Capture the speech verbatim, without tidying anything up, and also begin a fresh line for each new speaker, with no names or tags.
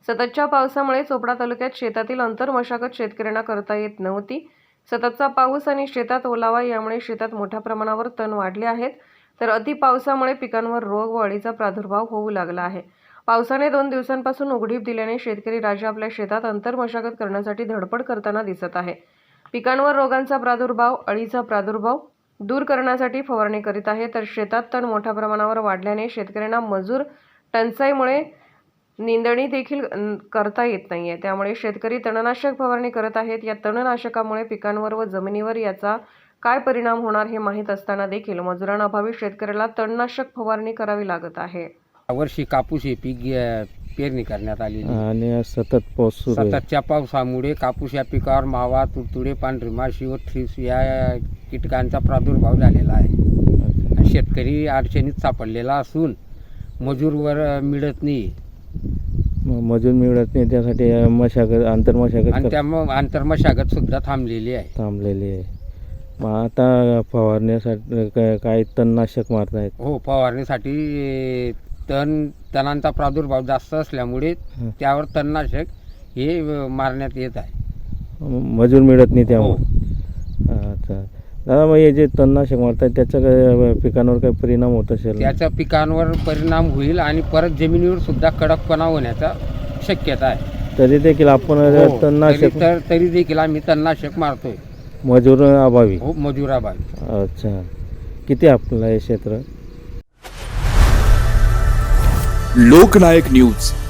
सततच्या पावसामुळे चोपडा तालुक्यात शेतातील अंतर्मशागत शेतकऱ्यांना करता येत नव्हती। सततचा पाऊस आणि शेतात ओलावा यामुळे शेतात मोठ्या प्रमाणावर तण वाढले आहेत, तर अति पावसामुळे पिकांवर रोग व अळीचा प्रादुर्भाव होऊ लागला आहे। पावसाने दोन दिवसांपासून उघडीप दिल्याने शेतकरी राजा आपल्या शेतात अंतर्मशागत करण्यासाठी धडपड करताना दिसत आहे। पिकांवर रोगांचा प्रादुर्भाव, अळीचा प्रादुर्भाव दूर करण्यासाठी फवारणी करीत आहे, तर शेतात तण मोठ्या प्रमाणावर वाढल्याने शेतकऱ्यांना मजूर टंचाईमुळे निंदणी देखील करता येत नाहीये। त्यामुळे शेतकरी तणनाशक फवारणी करत आहेत। या तणनाशकामुळे पिकांवर व जमिनीवर याचा काय परिणाम होणार हे माहीत असताना देखील मजुरांअभावी शेतकऱ्याला तणनाशक फवारणी करावी लागत आहे।
वर्षी कापूस हे पीक पेरणी करण्यात आली
आणि सतत पाऊस सुरू आहे।
सततच्या पावसामुळे कापूस या पिकावर मावा, तुडतुडे, पांढरी माशी व थ्रिप्स या कीटकांचा प्रादुर्भाव झालेला आहे। शेतकरी अडचणीत सापडलेला असून मजूरवर मिळत नाही
मजूर मिळत नाही त्यासाठी मशागत आंतरमशागत
आणि त्यामुळे आंतरमशागत सुद्धा थांबलेली आहे
थांबलेली आहे। मग आता फवारण्यासाठी काय काय तणनाशक मारतायत?
हो, फवारणीसाठी तण तणांचा प्रादुर्भाव जास्त असल्यामुळे त्यावर तणनाशक हे मारण्यात येत आहे।
मजूर मिळत नाही त्यामुळे। अच्छा दादा, मग हे जे तणनाशक मारतात त्याचा काय पिकांवर काय परिणाम होत असेल?
त्याचा पिकांवर परिणाम होईल आणि परत जमिनीवर सुद्धा कडकपणा होण्याचा शक्यता आहे।
तरी देखील आपण तणनाशक
तर तरी देखील आम्ही तणनाशक मारतोय
मजूर अभावी।
हो, मजुराभावी।
अच्छा, किती आपलं हे क्षेत्र?
लोकनायक न्यूज।